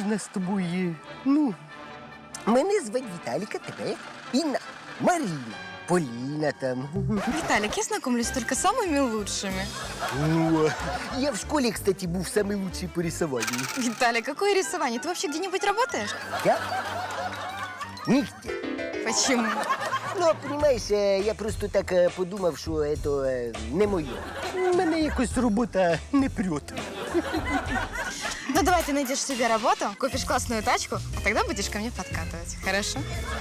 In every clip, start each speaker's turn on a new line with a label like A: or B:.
A: нас з тобою, ну, мене звати Віталіка, тебе Інна, Маріна, Поліна там.
B: Виталик, я знакомлюсь только с самыми лучшими.
A: Ну, я в школе, кстати, был самый лучший по рисованию.
B: Виталик, какое рисование? Ты вообще где-нибудь работаешь?
A: Я? Нигде.
B: Почему?
A: Ну, понимаешь, я просто так подумав, що це не моє. Мене якось робота не прет.
B: Ну, давай ты найдешь себе работу, купишь классную тачку, а тогда будешь ко мне подкатывать. Хорошо?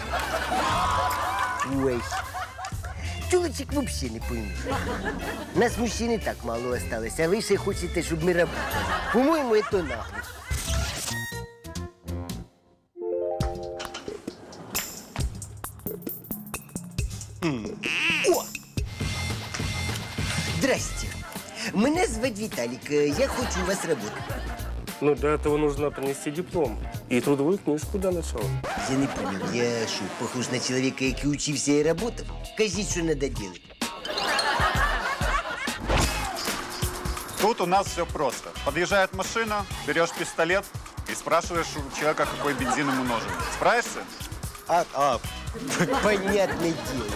A: Ой. Тюлочек вообще не пойму. Нас мужчин и так мало осталось, а вы ще хочете, щоб ми работали. По-моему, это нахуй. О! Здрасте. Мене звать Віталік. Я хочу у вас работать.
C: Ну, для этого нужно принести диплом и трудовую книжку для начала.
A: Я не понял, я що, похож на чоловіка, який учився і работав? Кажіть, що надо делать.
D: Тут у нас все просто. Подъезжает машина, берешь пистолет и спрашиваешь у человека, какой бензин ему нужен. Справишься?
A: Понятное дело.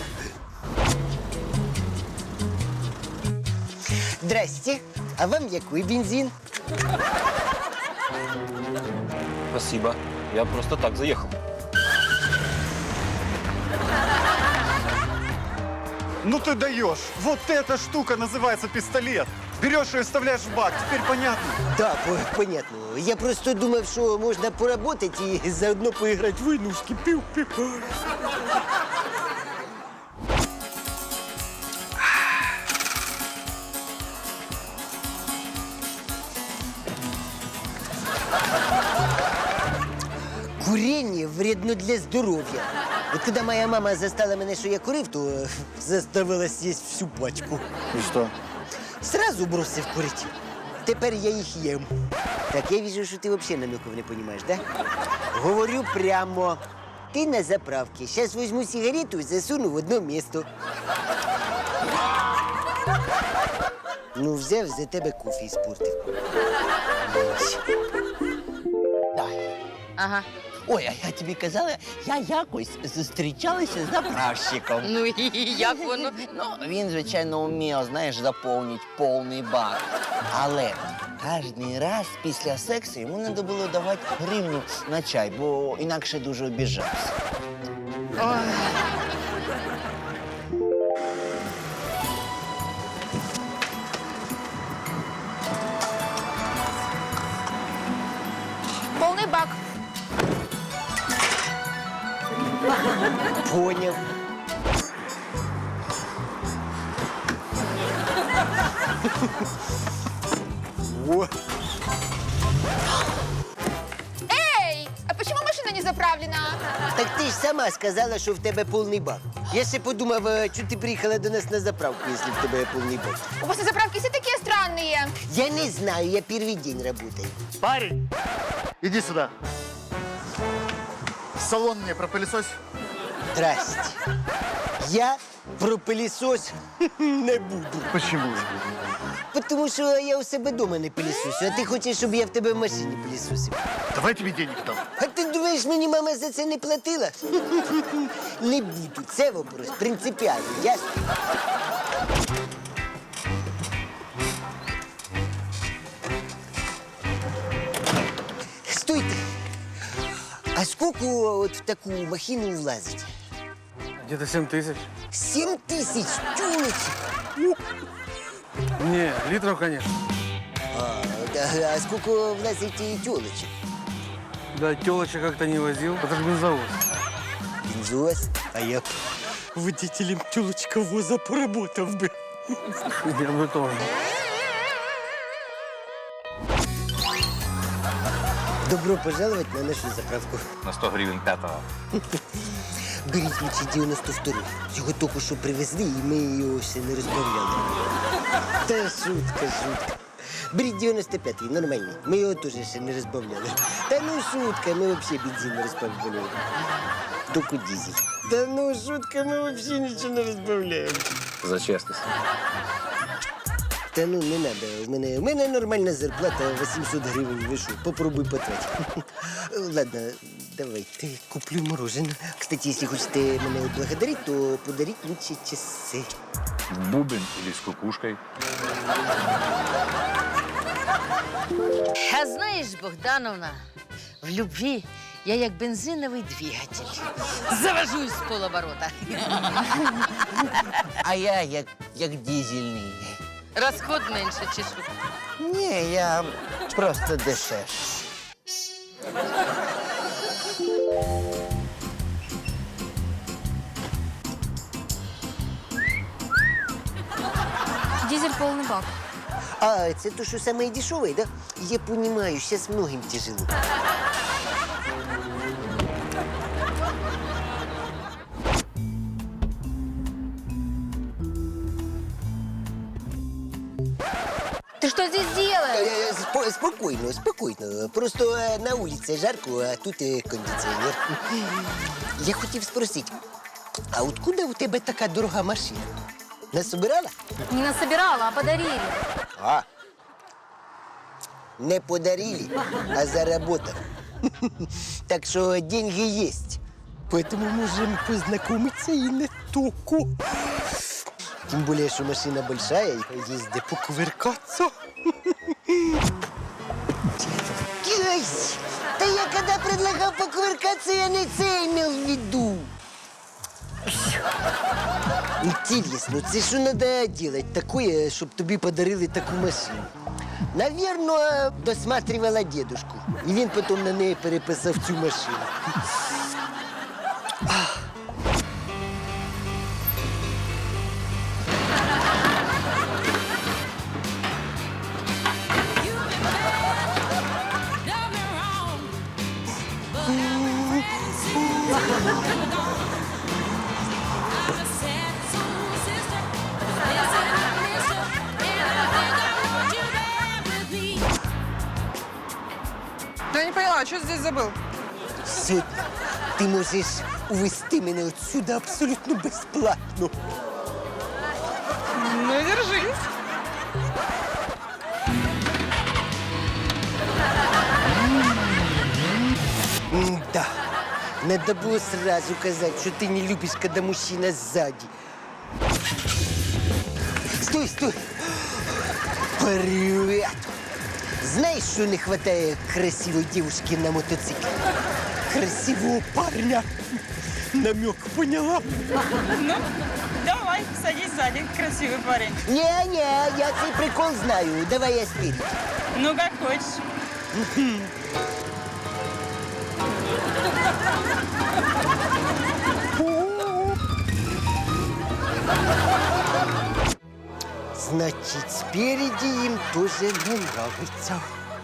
A: Здрасте. А вам який бензин?
E: Спасибо. Я просто так заехал.
D: Ну ты даешь! Вот эта штука называется пистолет. Берешь ее и вставляешь в бак. Теперь понятно?
A: Да, понятно. Я просто думав, що можна поработать і заодно поіграти в войнушки. Пів-пів. Курение вредно для здоров'я. От коли моя мама застала мене, що я курив, то заставила з'їсти всю пачку.
D: И что?
A: Сразу бросив курити. Тепер я їх їм. Так, я вижу, що ти взагалі намеків не розумієш, да? Говорю прямо. Ти на заправці. Зараз візьму сигарету і засуну в одно місто. Ну, взяв за тебе кофе іспортив.
B: Ага.
F: Ой, а я тобі казала, я якось зустрічалася з заправщиком.
B: Ну і як воно?
F: Ну, він, звичайно, вмів, знаєш, заповнити повний бак. Але кожен раз після сексу йому треба було давати гривню на чай, бо інакше дуже обіжався.
B: Полный бак.
A: Поняв. О,
B: Эй, а почему машина не заправлена?
A: так ти ж сама сказала, що в тебе повний бак. Я ще подумав, що ти приїхала до нас на заправку, якщо в тебе повний бак.
B: У вас на заправке все такие странные.
A: Я не знаю, я первый день работаю.
G: Парень, иди сюда. Салон мне пропылесось.
A: Здрасте. Я про пилісос не буду.
G: Почему?
A: Тому що я у себе вдома не пилісосю, а ти хочеш, щоб я в тебе в машині пилісосив.
G: Давай тебе денег дам.
A: А ти думаєш, мені мама за це не платила? Не буду. Це вопрос принципіальний, ясно? Стойте. А скільки от в таку махину влазить?
C: Где-то 7 тысяч.
A: 7 тисяч тюлочек.
C: Не, литров, конечно.
A: А скільки влазить і тюлочек?
C: Да, телочек как-то не возил. Это же бензовоз.
A: Бензовоз? А я б водителем тюлочковоза поработав би.
C: Я бы тоже.
A: Добро пожаловать на нашу заправку.
E: На 100 гривен пятого.
A: Беріть лучше 92. Його тільки що привезли, і ми його ще не розбавляли. Та шутка. Беріть 95-й, нормальний. Ми його теж ще не розбавляли. Та ну шутка, ми взагалі бензин не розбавляємо. Тільки дизель. Та ну шутка, ми взагалі нічого не розбавляємо.
E: За честность.
A: Та ну не надо. В мене нормальна зарплата 800 гривень. Ви що, попробуй потратити. Ладно, давайте куплю мороженое. Кстати, если хочете мене отблагодарить, то подарить лучше часы.
H: Бубен или с кукушкой.
I: А знаєш, Богдановна, в любві я як бензиновий двигатель. Завожусь з полоборота.
F: А я як дизельний.
I: Розход менше чи що?
F: Ні, я просто дешевший.
B: Дизель полный бак.
A: А, это то, что самое дешевое, да? Я понимаю, сейчас многим тяжело.
B: Ты что здесь делаешь?
A: Спокойно, спокойно. Просто на улице жарко, а тут кондиціонер. Я хотів спросити, а откуда у тебе така дорога машина? Насобирала?
B: Не насобирала, а подарили.
A: А. Не подарили, а заработал. Так что деньги есть. Поэтому можем познакомиться и не только. Тем более, что машина большая, и есть где покувыркаться. Ай, да я когда предлагал покувыркаться, я не це имел в виду. Интересно, це що надо делать такое, щоб тобі подарили таку машину? Наверно, досматривала дедушку. І він потім на неї переписав цю машину.
J: Да я не поняла, что здесь забыл?
A: Сьогодні ти можеш увезти мене отсюда абсолютно безплатно.
J: Ну, держись.
A: Да, надо было сразу сказать, что ты не любишь, когда мужчина сзади. Стой, стой. Привет. Знаешь, что не хватает красивой девушки на мотоцикле? Красивого парня. Намек поняла?
J: Ну, давай, садись сзади, красивый парень.
A: Не-не, я цей прикол знаю. Давай я спереди.
J: Ну, как хочешь.
A: Значит, спереди им тоже не нравится.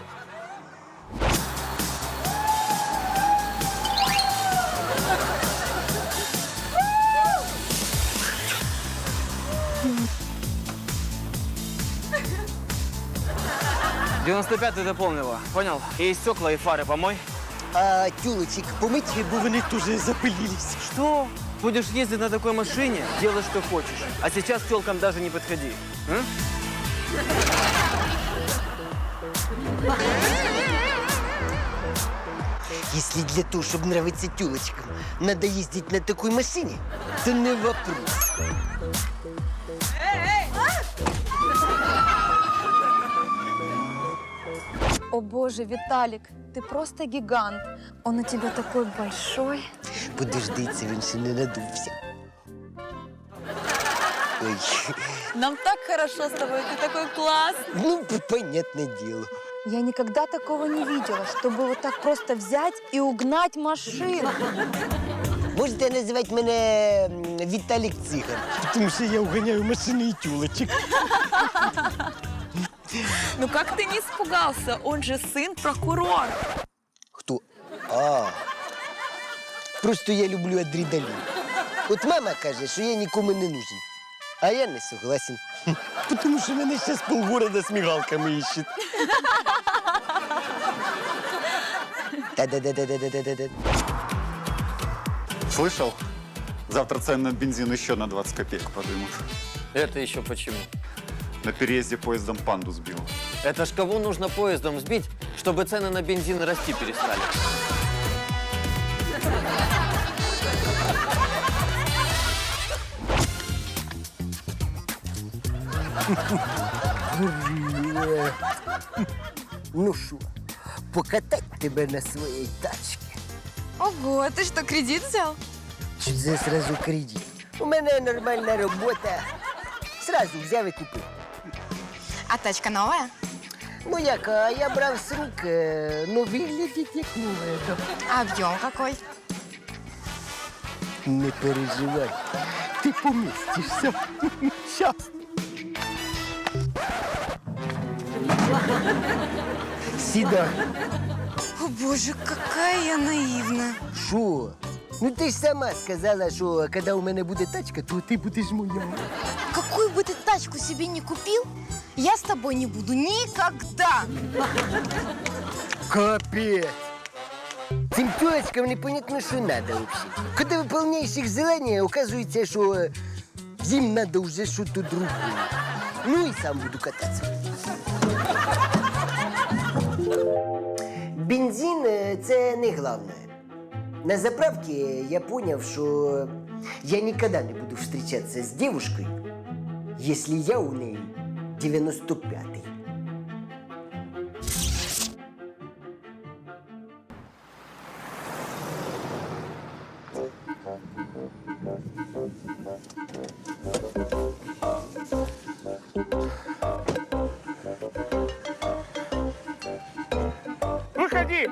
E: — 95-й дополнила, понял? И стекла, и фары помой.
A: А тюлочек помыть, бо вони тоже запылились.
E: Что? Будешь ездить на такой машине, делай, что хочешь. А сейчас к телкам даже не подходи. М?
A: Если для того, чтобы нравиться тюлочкам, надо ездить на такой машине, то не вопрос.
B: О боже, Виталик, ты просто гигант. Он у тебя такой большой.
A: Подожди, це він ще не надувся. Ой,
J: Нам так хорошо с тобой, ты такой классный.
A: ну, понятное дело.
B: Я никогда такого не видела, чтобы вот так просто взять и угнать машину.
A: Можете називати мене Віталік Циган, тому що я уганяю машини і тюлочек.
J: Ну, как ты не испугался? Он же сын прокурора.
A: Хто? А. Просто я люблю адреналін. От мама каже, що я нікому не нужен. А я не согласен. Тому що мене зараз полгорода з мигалками іщуть. Та-да-да-да-да-да-да-да.
D: Слышал? Завтра цены на бензин еще на 20 копеек подымут.
E: Это еще почему?
D: На переезде поездом панду сбил.
E: Это ж кого нужно поездом сбить, чтобы цены на бензин расти перестали?
A: Ну що, покатать тебе на своїй тачці?
B: Ого, а ты что, кредит взял?
A: Чи це сразу кредит? У мене нормальна робота. Сразу взяв і купив.
B: А тачка новая?
A: Ну як, а я брав з рук, ну виглядить як нове.
B: А объем какой?
A: Не переживай, ти помістишся. Щас. Сідай.
B: О боже, какая я наивная.
A: Що? Ну ти ж сама сказала, що коли у мене буде тачка, то ти будеш моя.
B: Какую бы ты тачку себе не купил, я с тобой не буду никогда.
A: Капець. Цим тёлочкам непонятно, що надо вообще. Коли виповняєш їх желання, оказується, що їм надо вже щось другое. Ну і сам буду кататися. Бензин – це не головне. На заправке я понял, что я никогда не буду встречаться с девушкой, если я у ней 95-й.
C: Выходи!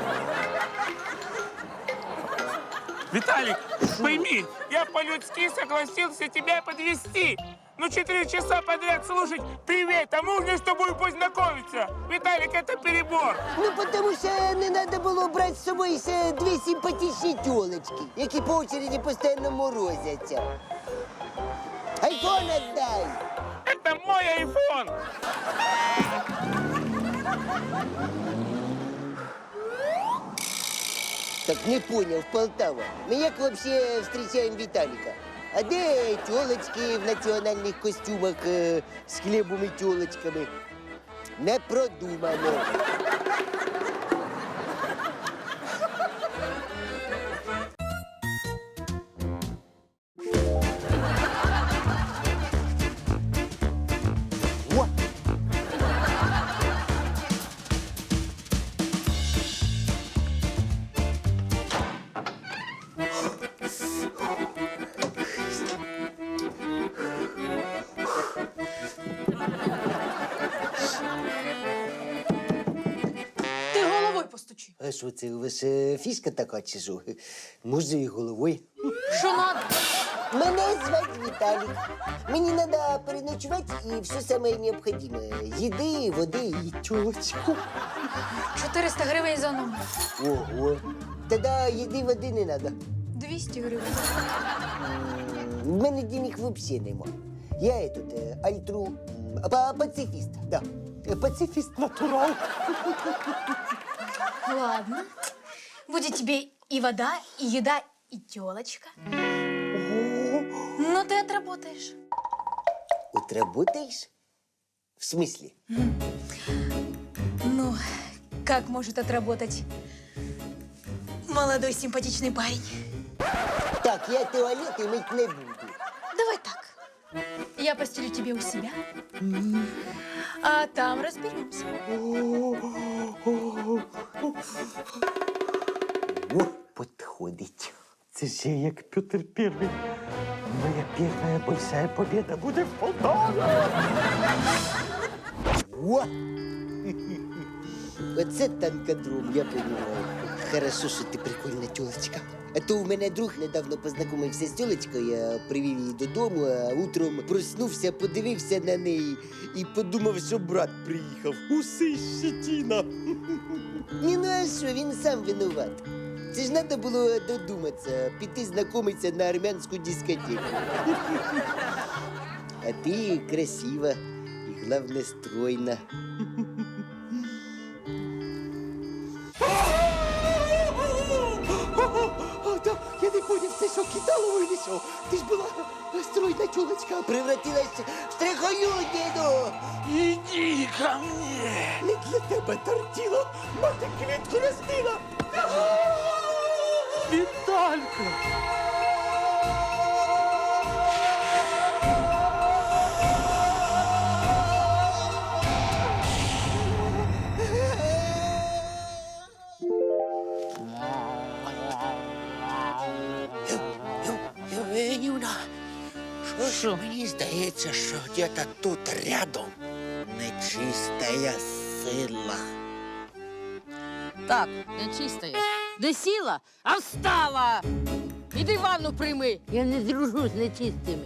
C: Виталик, пойми, я по-людски согласился тебя подвезти. Ну, 4 часа подряд слушать «Привет, а можно с тобой познакомиться?» Виталик, это перебор.
A: Ну, потому що не треба було брати з собою ще дві симпатичні тілочки, які по очереді постійно морозяться. Айфон отдай!
C: Это мой айфон.
A: Так не понял, Полтава. Мы як вообще встречаем Виталика? А де тілочки в національних костюмах з хлібом і тілочками? Не продумано. О!
J: Ты головой постучи.
A: А що це, у вас фішка така чи що? Може і головою?
J: Что надо?
A: Мене звати Віталік. Мені треба переночувати і все саме необхідне. Їди, води і тілочку.
J: 400 гривень за номер.
A: Ого. Тоді їди, води не треба.
J: 200 гривень.
A: В мене денег взагалі нема. Я пацифіст, да. Пацифіст натурал.
J: Ладно. Будет тебе и вода, и еда, и телочка. Но ты отработаешь.
A: Отработаешь? В смысле?
J: Ну, как может отработать молодой симпатичный парень?
A: Так, я туалеты мыть не буду.
J: Давай так. Я постелю тебе у себя, а там разберемся.
A: О, подходить. Це ж я як Петр Первый. Моя первая большая победа буде в Полтаві. О! Оце танкодром, я понимаю. Хорошо, що ти прикольна тёлочка. А то у мене друг недавно познайомився з тёлочкою, я привів її додому, а утром проснувся, подивився на неї і подумав, що брат приїхав. Уси щетіна. Ні, ну а що, він сам винуват. Це ж треба було додуматися, піти знайомитися на армянську дискотеку. А ти красива і, головне, стройна. Я не поняв, це що, Виталову или что? Ты ж была стройная тёлочка, а превратилась в страхолюдину.
C: Иди ко мне.
A: Не для тебе тортила, мати квітку ростила.
C: Виталька.
F: Юна, що мені здається, що где-то тут рядом нечистая сила.
I: Так, нечистая. Не сіла, а встала. Іди ванну прийми. Я не дружу з нечистими.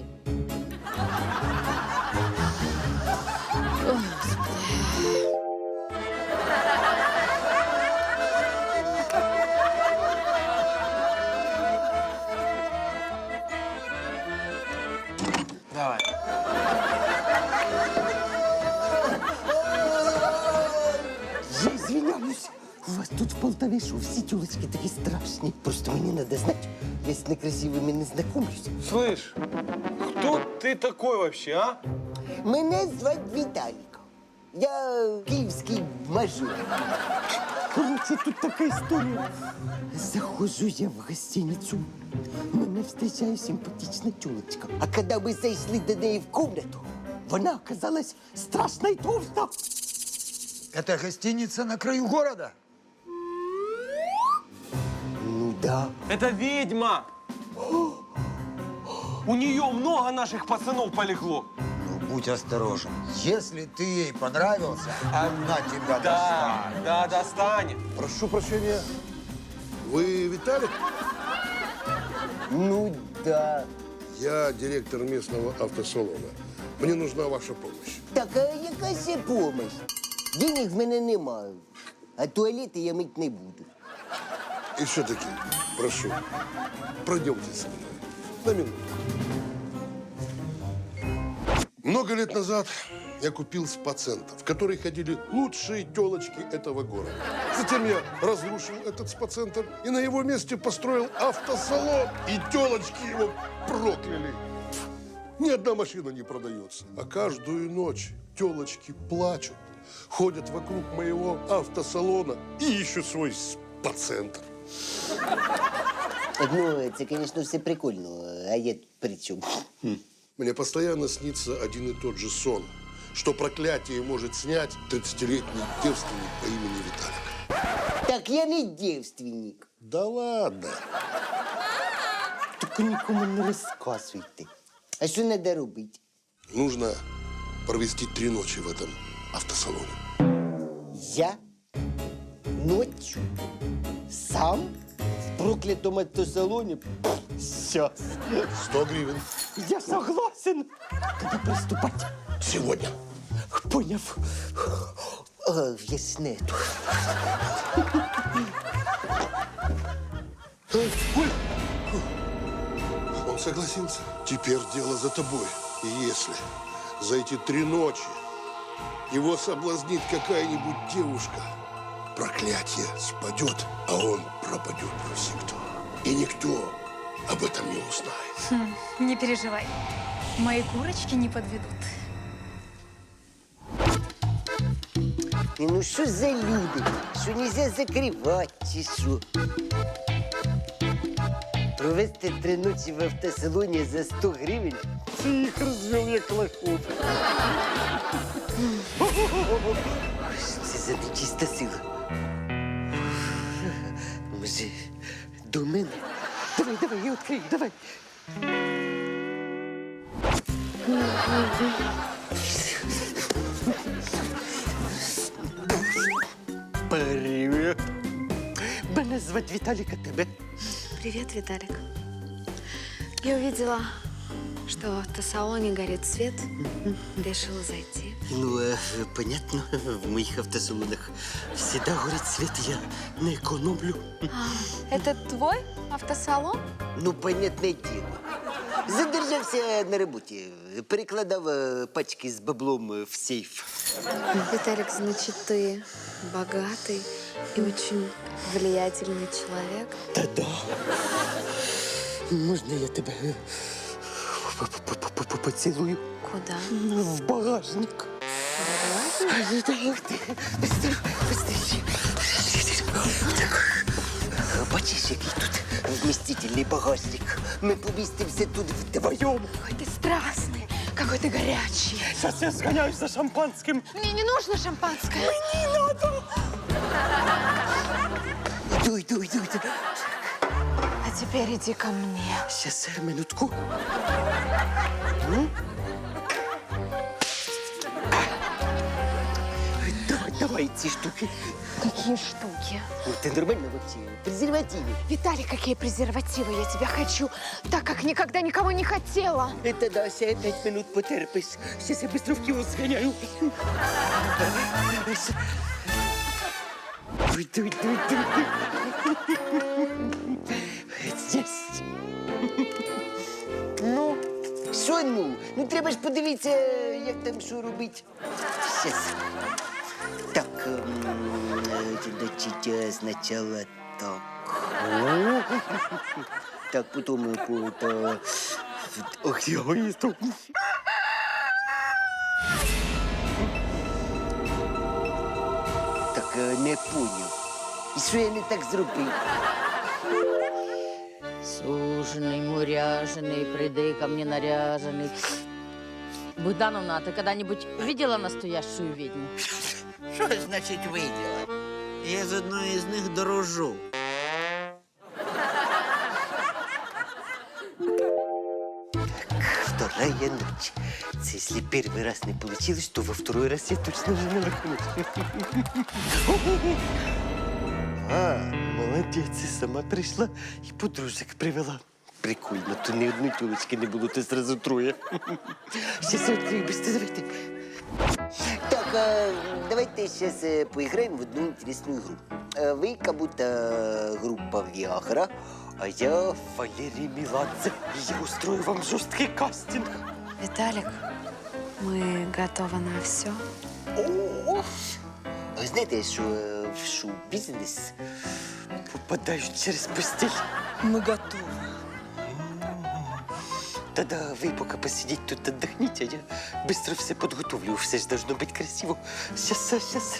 E: Давай.
A: Я извиняюсь. У вас тут в Полтаве что, все тёлочки такие страшные? Просто мне надо знать, я с некрасивыми не знакомлюсь.
E: Слышь, кто ты такой вообще, а?
A: Мене звати Віталік. Я київський мажор. Короче, тут така історія. Заходжу я в гостиницю. Мене зустрічає симпатична тюлечка. А коли ми зайшли до неї в кімнату, вона оказалась страшно й товста.
K: Это гостиница на краю города?
A: Ну да.
E: Это ведьма. У нее много наших пацанов полегло.
K: Ну, будь осторожен. Если ты ей понравился, она тебя достанет.
E: Да, достанет.
L: Прошу прощения, вы Виталик?
A: Ну да.
L: Я директор местного автосалона. Мне нужна ваша помощь.
A: Так, а яка ще помощь? Денег в мене немає, а туалети я мить не буду.
L: И все-таки, прошу, пройдемте со мной на минуту. Много лет назад я купил спа-центр, в который ходили лучшие телочки этого города. Затем я разрушил этот спа-центр и на его месте построил автосалон. И телочки его прокляли. Ни одна машина не продается. А каждую ночь телочки плачут, ходят вокруг моего автосалона и ищут свой спа-центр.
A: Ну, це, звісно, все прикольно, а я тут при чому?
L: Мне постоянно снится один и тот же сон, что проклятие может снять 30-летний девственник по имени Виталик.
A: Так я не девственник.
L: Да ладно.
A: Тільки нікому не розказуйте. А що треба робити?
L: Нужно провести 3 ночи в этом автосалоне.
A: Я ночью сам в проклятом автосалоне? Сейчас.
L: 100 гривен.
A: Я согласен. Когда приступать?
L: Сегодня.
A: Поняв. В яснету.
L: Он согласился. Теперь дело за тобой. И если за эти 3 ночи его соблазнит какая-нибудь девушка, проклятие спадет, а он пропадет навсегда. И никто об этом не узнает.
J: Не переживай. Мои курочки не подведут.
A: І ну що за люди? Що нельзя закривати, чи що? Провести 3 ночі в автосалоні за 100 гривень? Це їх розвел як лохов. Що це за нечиста сила? Може, до мене? Давай, я відкрию, давай. Привет. Мене звати Віталік, а тебе?
B: Привет, Виталик. Я увидела, что в автосалоне горит свет. Решила зайти.
A: Ну, понятно, в моих автосалонах всегда горит свет, я не экономлю.
B: Это твой автосалон?
A: Ну, понятное дело. Задержався на роботі, перекладав пачки з баблом в сейф.
B: Виталик, значит, ты богатый и очень влиятельный человек.
A: Та-да. Можна я тебе поцілую?
B: Куда?
A: В багажник. Бачиш, який тут вмістительний багажник. Ми помістимося тут вдвоєм.
B: Ой, ты страстный, какой ты горячий.
C: Сейчас я сгоняюсь за шампанским.
B: Мне не нужно шампанское.
A: Іду.
B: А теперь иди ко мне.
A: Щас, минутку. Давай ці штуки.
B: Какие штуки?
A: Ну, ти нормально вообще? Презервативи.
B: Виталий, какие презервативы? Я тебя хочу, так как никогда никого не хотела.
A: Это да, ще 5 минут потерпиш. Щас я быстро в кіоск зганяю. Дуй. Здесь. Ну, що ну? Ну, треба ж подивитися, як там що робить. Щас. Так, значить, спочатку так. Так, потім это... Ох, я виступ. Так, не поняв. І що я не так зробив?
I: Суженый, муряженый, приди ко мне наряженный. Богдановна, а ты когда-нибудь видела настоящую ведьму?
F: Що значить виділа? Я з одної з них дорожу.
A: Вторая ночь. Це если первый раз не получилось, то во второй раз я точно не нарахну. А, молодець, сама прийшла і подружок привела. Прикольно, то ні одної тілочки не було, то зразу троє. Щас я відкрию, быстро давайте. Так, давайте сейчас поиграем в одну интересную игру. Вы как будто группа Виагра, а я Валерий Меладзе. Я устрою вам жесткий кастинг.
B: Виталик, мы готовы на все.
A: Ви знаєте, що в шоу-бізнес попадають через постіль?
B: Мы готовы.
A: Тогда вы пока посидите тут, отдохните, а я быстро все подготовлю. Все же должно быть красиво. Сейчас.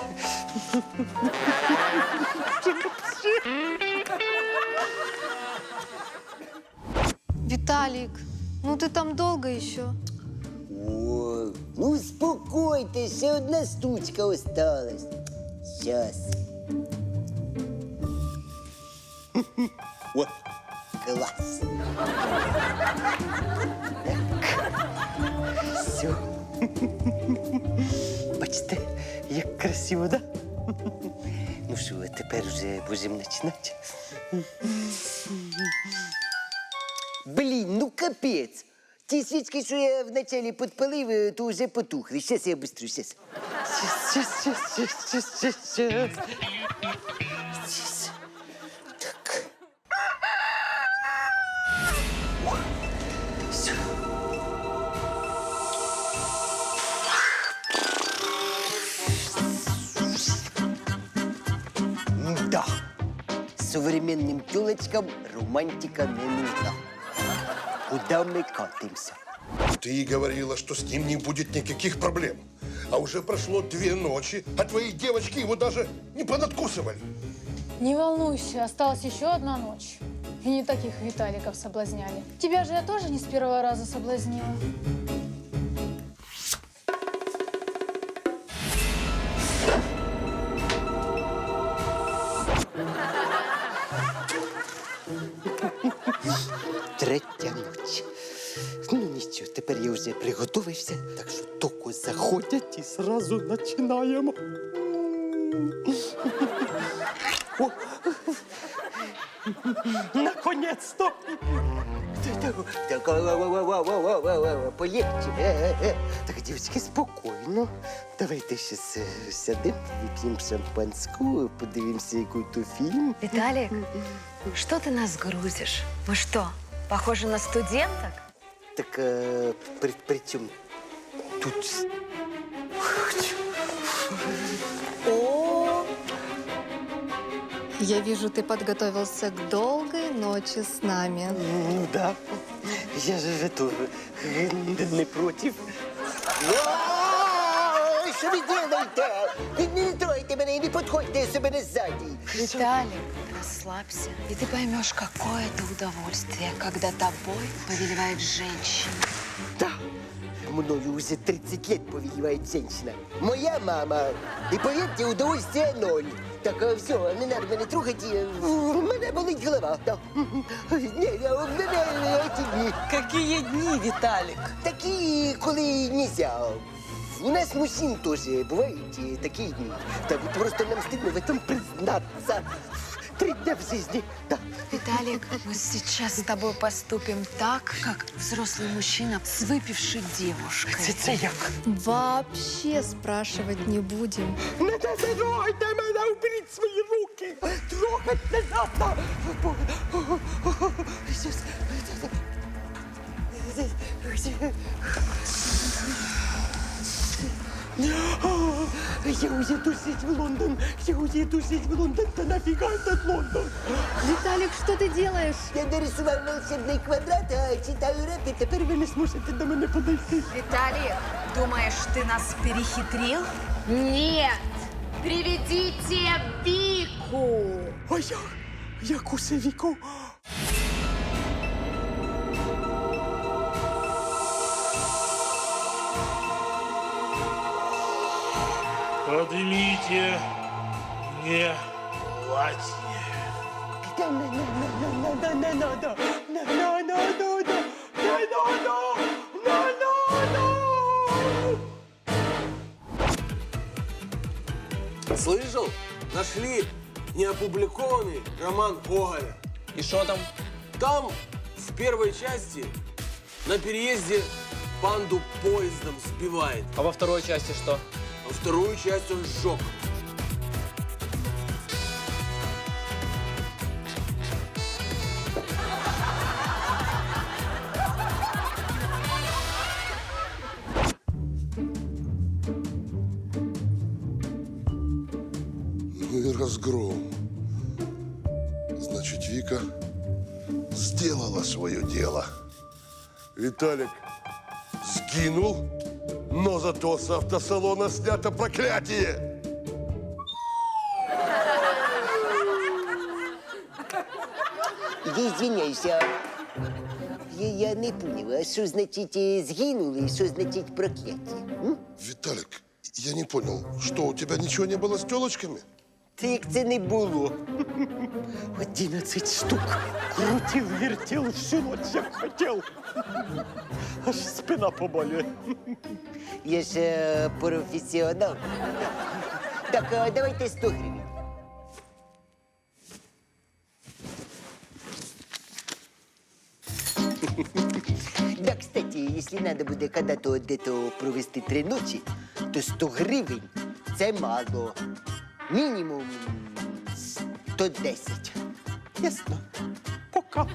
J: Виталик, ну ты там долго еще?
A: О, ну успокойтесь, ще одна штучка осталась. Сейчас. О, класс. Все. Бачите, як красиво, да? Ну що, тепер вже будемо починати? Блін, ну капець. Ті свічки, що я вначалі підпалив, то вже потухли. Щас я быстрю, щас. Щас. Так. Все. Да. Современным тёлочкам романтика не нужна. Куда мы катимся?
L: Ты говорила, что с ним не будет никаких проблем. А уже прошло 2 ночи, а твои девочки его даже не понадкусывали.
J: Не волнуйся, осталась еще одна ночь. И не таких Виталиков соблазняли. Тебя же я тоже не с первого раза соблазнила.
A: Третя ніч. Ну нічого, тепер я вже приготувався, так що тільки заходять і зразу починаємо. О! Наконець-то! Так, полегче. Так, дівчатки, спокійно. Давайте зараз сядемо, вип'ємо шампанську, подивимося якийсь фільм.
B: Виталик, что ты нас грузишь? Мы что, похожи на студенток?
A: Так, при чому тут?
B: О, Я вижу, ты подготовился к долгой ночи с нами.
A: Ну, да. Я же тоже не против. Ой, що ви робите? Не тройте мене і не підходьте до мене ззаді.
B: Виталик, расслабься, и ты поймешь, какое это удовольствие, когда тобой повелевает женщина.
A: Да, мною уже 30 лет повелевает женщина. Моя мама. И поверьте, удовольствия ноль. Так, все, не надо мене трогати. У мене болить голова. Да. Ні, у мене ці дні.
E: Какие дни, Виталик?
A: Такі, коли нельзя. У нас мужчин тоже бывают такие дни. Так вот просто нам стыдно в этом признаться. 3 дня в жизни. Да.
B: Виталик, мы сейчас с тобой поступим так, как взрослый мужчина с выпившей девушкой.
A: Це як?
B: Вообще спрашивать не будем.
A: Не трогайте мене, уберіть свої руки. Трогать не надо. Я уеду жить в Лондон. Я уеду жить в Лондон. Да нафига этот Лондон?
B: Виталик, что ты делаешь?
A: Я нарисував волшебний квадрат, а читаю реп, і тепер ви не зможете до мене подойти.
B: Виталик, думаешь, ты нас перехитрил? Нет! Приведите Вику!
A: А яку це віку?
C: Поднимите мне платье.
A: Да не надо.
E: Слышал? Нашли неопубликованный роман Гоголя. И что там? Там в первой части на переезде панду поездом сбивает. А во второй части что? А вторую часть он сжег.
L: Ну и разгром. Значит, Вика сделала свое дело. Виталик сгинул, но зато с автосалона снято проклятие.
A: Я извиняюсь, я не понял, а що значить згинули, що значить прокляття?
L: Виталик, я не понял, что у тебя ничего не было с телочками?
A: Це як це не було. 11 штук. Крутив, вертів, всю ночь як хотів. Аж спина поболює. Я ж професіонал. Так, давайте 100 гривень. Да, кстати, если надо будет когда-то где-то провести 3 ночи, то 100 гривень – це мало. Мінімум 110. Ясно? Пока.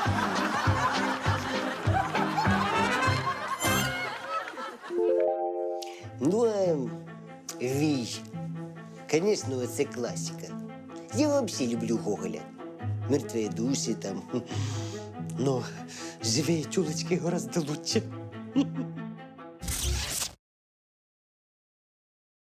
A: Ну, Вій, конечно, це класика. Я вообще люблю Гоголя. Мертвые души там. Но живые тёлочки гораздо лучше.